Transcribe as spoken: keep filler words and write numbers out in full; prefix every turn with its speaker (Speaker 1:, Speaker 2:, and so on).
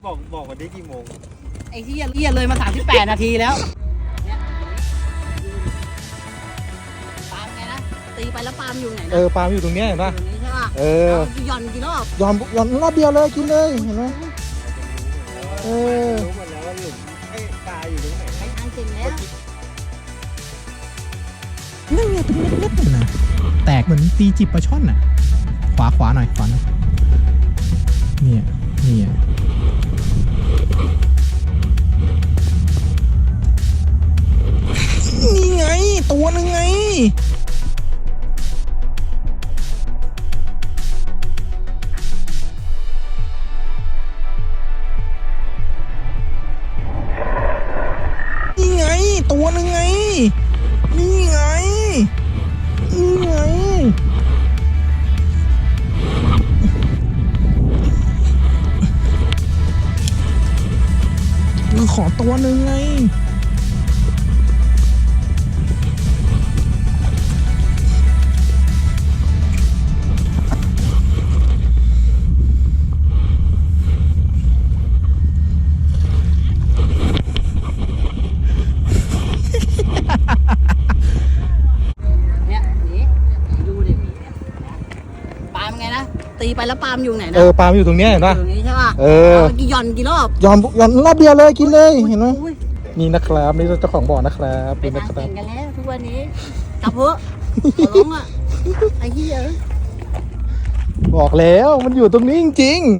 Speaker 1: บอกบอกวันนี้กี่โมง
Speaker 2: ไอ้ที่เรียเลยมาสามสิบแปดนาทีแล้วเนี่ยปาล์มไงนะตีไปแล้วปาล์มอยู่ไหนนะ
Speaker 3: เออปาล์มอยู่ตรงเนี้ยเห็นป่ะ
Speaker 2: อยู่นี้ใช่ป่ะ
Speaker 3: เออ
Speaker 2: หย่อนกี่รอบ
Speaker 3: ยอมยอมรอบเดียวเลยกินเลยเห็นไหมเออ
Speaker 1: รู้หมดแล้วว่าหลุมไอ้ปลาอยู่ตรงไหน
Speaker 2: ไอ้ทางเก่งแล้ว
Speaker 3: นั่นไงเป็นเม็ดๆนะแตกเหมือนตีจิบปลาช่อนน่ะขวาขวาหน่อยขวาหน่อยเนี่ยเนี่ยนี่ไงตัวนึงไงนี่ไงตัวนึงไงนี่ไงนี่ไงขอตัวหนึ่งไง
Speaker 2: เนี่ยนี่ดูดิปาล์มไงนะตีไปแล้วปาล์มอยู่ไหนนะ
Speaker 3: เออปาล์มอยู่ตรงเนี้ยเห็นป่ะ
Speaker 2: อยู่นี้ใช่ป่ะ
Speaker 3: เออ
Speaker 2: กี่หย่อนกี่รอบ
Speaker 3: ยอมยอมรอบเดียวเลยกินเลยเห็นไหม
Speaker 2: อุ้ย
Speaker 3: นี่นะครับนี่เจ้าของบ่อนะครับ
Speaker 2: เป็
Speaker 3: นี่
Speaker 2: น
Speaker 3: นะ
Speaker 2: ทาง
Speaker 3: ครั
Speaker 2: เก่
Speaker 3: บ
Speaker 2: งกันแล้วทุกวันนี้กลับเพอะขอร้องอ่ะไอ้เหี้ย
Speaker 3: บอกแล้วมันอยู่ตรงนี้จริงๆ